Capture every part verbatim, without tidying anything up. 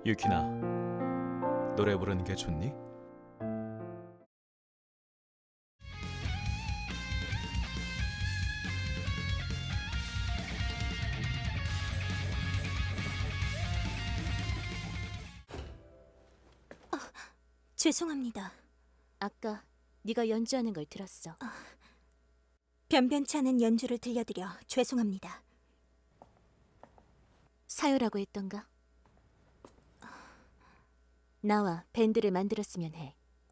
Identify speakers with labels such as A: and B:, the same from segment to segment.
A: 유키나, 노래 부르는 게 좋니?
B: 죄송합니다.
C: 아까 네가 연주하는 걸 들었어.
B: 변변치 않은 연주를 들려드려 죄송합니다.
C: 사요라고 했던가? 나와 밴드를 만들었으면 해.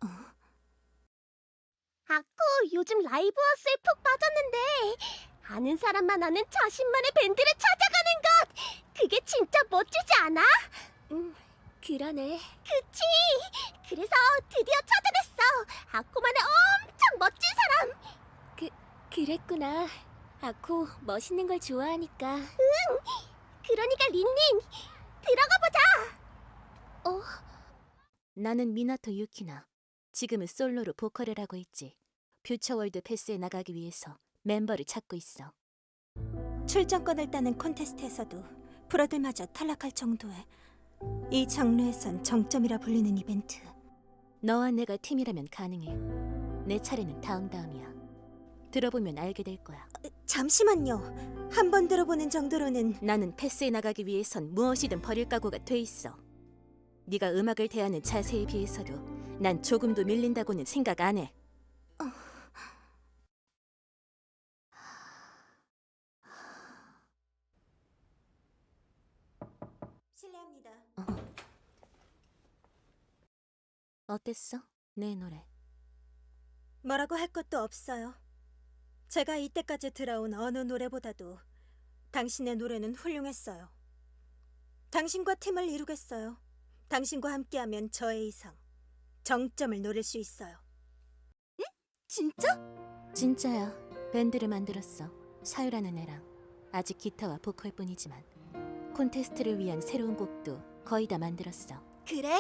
D: 아코, 요즘 라이브 하우스에 푹 빠졌는데 아는 사람만 아는 자신만의 밴드를 찾아가는 것! 그게 진짜 멋지지 않아?
C: 음, 그러네.
D: 그치? 그래서 드디어 찾아냈어! 아코만의 엄청 멋진 사람!
C: 그, 그랬구나. 아코 멋있는 걸 좋아하니까.
D: 그러니까 린린, 들어가 보자!
C: 어? 나는 미나토 유키나. 지금은 솔로로 보컬을 하고 있지. 퓨처월드 패스에 나가기 위해서 멤버를 찾고 있어.
B: 출전권을 따는 콘테스트에서도 프로들마저 탈락할 정도의 이 장르에선 정점이라 불리는 이벤트.
C: 너와 내가 팀이라면 가능해. 내 차례는 다음 다음이야. 들어보면 알게 될 거야.
B: 잠시만요. 한 번 들어보는 정도로는.
C: 나는 패스에 나가기 위해선 무엇이든 버릴 각오가 돼 있어. 네가 음악을 대하는 자세에 비해서도 난 조금도 밀린다고는 생각 안 해.
B: 실례합니다.
C: 어땠어? 내 노래.
B: 뭐라고 할 것도 없어요. 제가 이때까지 들어온 어느 노래보다도 당신의 노래는 훌륭했어요. 당신과 팀을 이루겠어요. 당신과 함께하면 저의 이상, 정점을 노릴 수 있어요.
C: 진짜? 진짜야. 밴드를 만들었어. 사유라는 애랑. 아직 기타와 보컬뿐이지만 콘테스트를 위한 새로운 곡도 거의 다 만들었어.
E: 그래?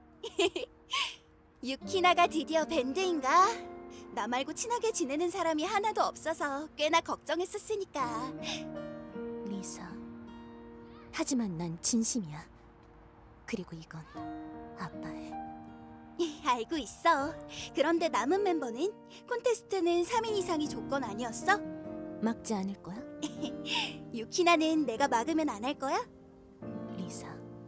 E: 유키나가 드디어 밴드인가? 나 말고 친하게 지내는 사람이 하나도 없어서 꽤나 걱정했었으니까.
C: 리사. 하지만 난 진심이야. 그리고 이건 아빠의.
E: 알고 있어. 그런데 남은 멤버는? 콘테스트는 삼 인 이상이 조건 아니었어?
C: 막지 않을 거야?
E: 유키나는 내가 막으면 안 할 거야?
C: 리사.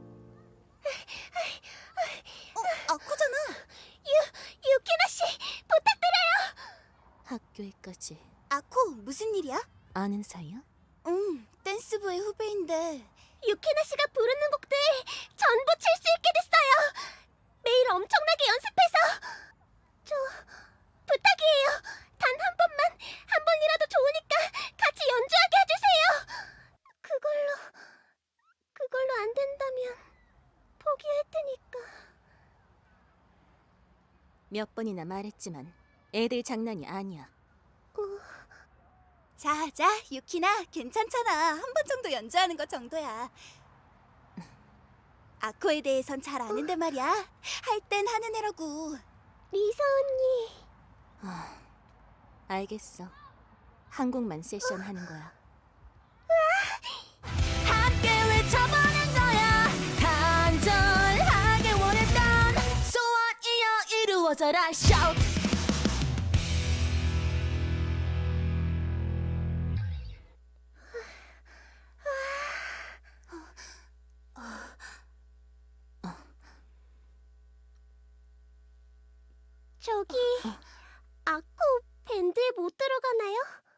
E: 어, 아코잖아.
D: 유키나 씨, 부탁드려요!
C: 학교에까지
E: 아코, 무슨 일이야?
C: 아는 사이야?
E: 응, 댄스부의 후배인데.
D: 유키나 씨가 부르는 곡들 전부 칠 수 있게 됐어요! 매일 엄청나게 연습해서! 저... 부탁이에요! 단 한 번만, 한 번이라도 좋으니까 같이 연주하게 해주세요! 그걸로... 그걸로 안 된다면 포기할 테니까...
C: 몇 번이나 말했지만 애들 장난이 아니야.
E: 자, 자, 유키나, 괜찮잖아. 한 번 정도 연주하는 것 정도야. 아코에 대해선 잘 아는데 말이야. 할 땐 하는 애라고.
D: 리사 언니...
C: 아, 알겠어. 한 곡만 세션 하는 거야.
E: 함께 외쳐보는 거야. 간절하게 원했던 소원이여 이루어져라. Shout.
D: 저기... 아코 밴드에 못 들어가나요?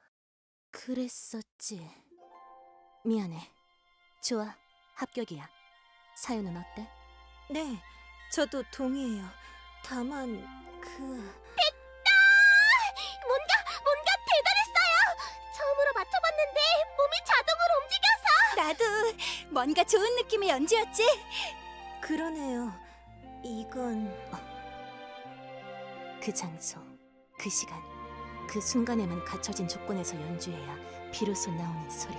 C: 그랬었지. 미안해. 좋아, 합격이야. 사유는 어때?
B: 네, 저도 동의해요. 다만 그...
D: 됐다! 뭔가, 뭔가 대단했어요! 처음으로 맞춰봤는데 몸이 자동으로 움직여서!
E: 나도 뭔가 좋은 느낌의 연주였지?
B: 그러네요. 이건...
C: 그 장소, 그 시간, 그 순간에만 갖춰진 조건에서 연주해야 비로소 나오는 소리.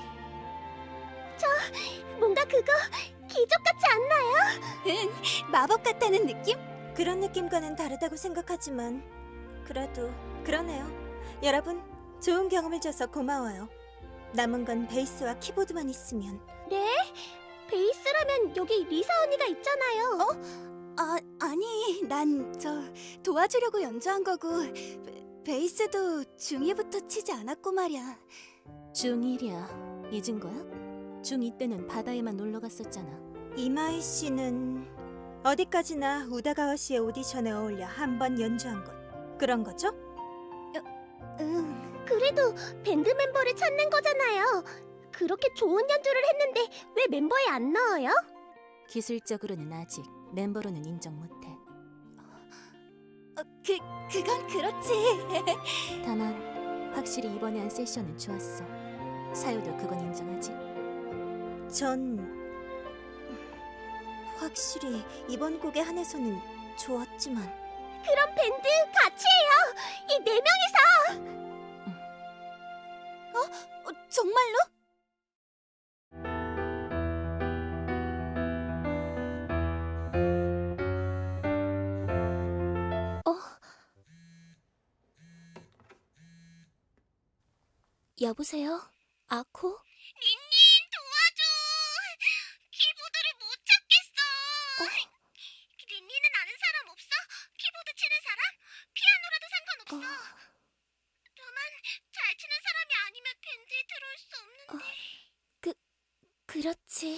D: 뭔가 그거 기적같지 않나요?
E: 응, 마법 같다는 느낌?
B: 그런 느낌과는 다르다고 생각하지만 그래도 그러네요. 여러분, 좋은 경험을 줘서 고마워요. 남은 건 베이스와 키보드만 있으면.
D: 네? 베이스라면 여기 리사 언니가 있잖아요.
E: 아, 아니, 난 저 도와주려고 연주한 거고 베, 베이스도 중이부터 치지 않았고 말이야.
C: 중일이야. 잊은 거야? 중이 때는 바다에만 놀러 갔었잖아.
B: 이마이 씨는 어디까지나 우다가와 씨의 오디션에 어울려 한 번 연주한 것 그런 거죠?
E: 응.
D: 그래도 밴드 멤버를 찾는 거잖아요. 그렇게 좋은 연주를 했는데 왜 멤버에 안 넣어요?
C: 기술적으로는 아직 멤버로는 인정 못해.
E: 어, 그 그건 그렇지.
C: 다만 확실히 이번에 한 세션은 좋았어. 사유도 그건 인정하지?
B: 전 확실히 이번 곡에 한해서는 좋았지만
D: 그럼 밴드 같이 해요. 이 네 명이서.
E: 어, 정말로?
D: 여보세요? 아코? 린닌 도와줘. 키보드를 못 찾겠어. 린닌은 아는 사람 없어? 키보드 치는 사람? 피아노라도 상관없어. 다만 잘 치는 사람이 아니면 밴드에 들어올 수 없는데. 그 그렇지.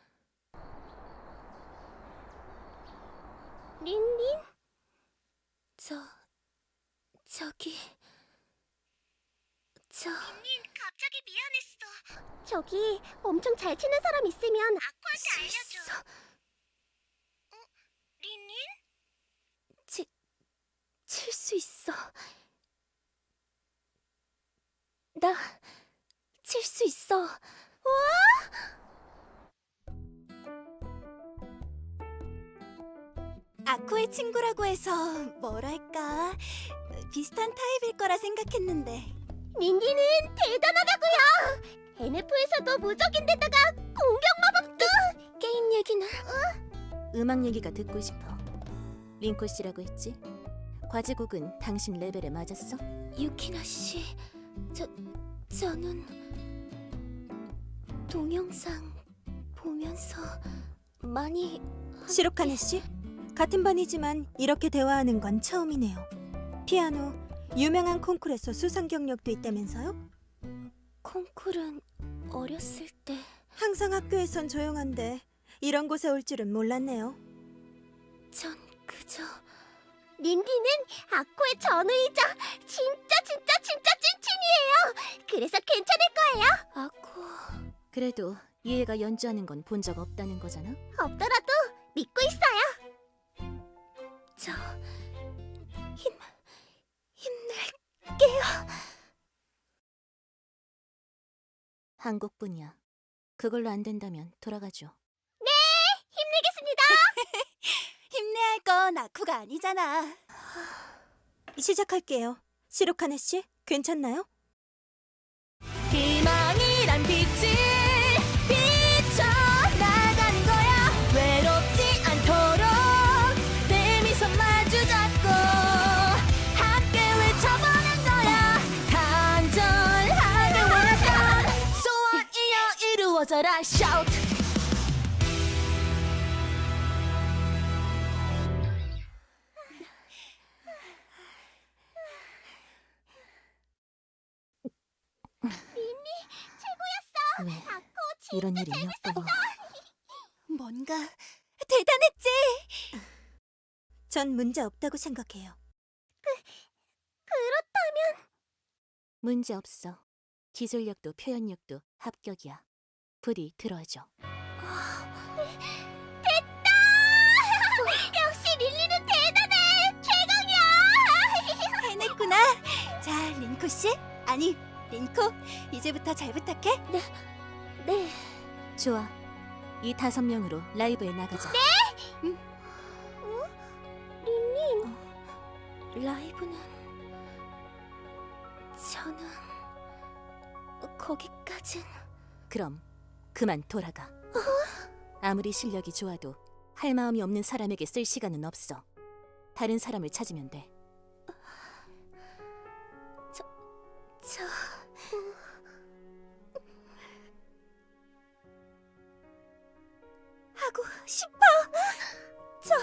D: 린닌? 저 저기 저... 린닌 갑자기 미안했어. 저기 엄청 잘 치는 사람 있으면 아쿠한테 알려줘. 어? 린닌? 치... 칠 수 있어. 나... 칠 수 있어. 와!
E: 아코의 친구라고 해서 뭐랄까 비슷한 타입일 거라 생각했는데.
D: 린닌은 대단하다고요. 엔에프에서도 무적인데다가 공격 마법도. 게임 얘기는?
C: 음악 얘기가 듣고 싶어. 링코 씨라고 했지? 과제곡은 당신 레벨에 맞았어?
D: 유키나 씨, 저 저는 동영상 보면서 많이.
B: 시로카네 씨? 같은 반이지만 이렇게 대화하는 건 처음이네요. 피아노 유명한 콩쿠르에서 수상 경력도 있다면서요?
D: 콩쿨은 어렸을 때.
B: 항상 학교에선 조용한데 이런 곳에 올 줄은 몰랐네요.
D: 전 그저. 린디는 아코의 전우이자 진짜 진짜 진짜 찐친이에요. 그래서 괜찮을 거예요. 아코.
C: 그래도 이 애가 연주하는 건 본 적 없다는 거잖아?
D: 없더라도 믿고 있어요. 저 힘 힘낼게요.
C: 한 곡뿐이야. 그걸로 안 된다면 돌아가죠.
D: 힘내겠습니다.
E: 힘내야 할 건 아쿠가 아니잖아.
B: 시작할게요. 시로카네 씨, 괜찮나요?
C: 희망이란 빛을 비춰나가는 거야. 외롭지 않도록 내 미소 마주 잡고 함께 외쳐보는 거야. 간절하게 원했던 소원이여 이루어져라. Shout! 왜
D: 아코
C: 이런 일이 몇 번이나.
E: 뭔가 대단했지.
B: 전 문제 없다고 생각해요.
D: 그렇다면
C: 문제 없어. 기술력도 표현력도 합격이야. 부디 들어줘.
D: 됐다. 역시 릴리는 대단해. 최강이야.
E: 해냈구나. 자, 린코 씨, 아니 린코, 이제부터 잘 부탁해.
D: 네.
C: 좋아. 이 다섯 명으로 라이브에 나가자.
D: 릴린. 라이브는 저는 거기까진.
C: 그럼 그만 돌아가. 아무리 실력이 좋아도 할 마음이 없는 사람에게 쓸 시간은 없어. 다른 사람을 찾으면 돼.
D: 저
E: 싶어. 저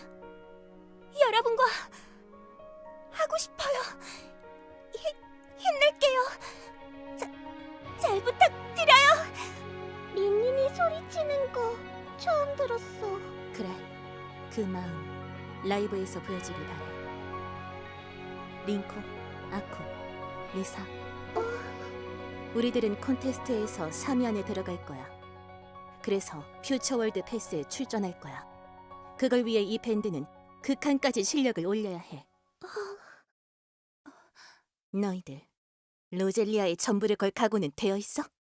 E: 여러분과 하고 싶어요. 힘, 힘낼게요. 자, 잘 부탁드려요.
D: 린린이 소리치는 거 처음 들었어.
C: 그래, 그 마음 라이브에서 보여주길 바래. 링코, 아코, 리사. 우리들은 콘테스트에서 삼 위 안에 들어갈 거야. 그래서 퓨처월드 패스에 출전할 거야. 그걸 위해 이 밴드는 극한까지 실력을 올려야 해. 너희들 로젤리아의 전부를 걸 각오는 되어 있어?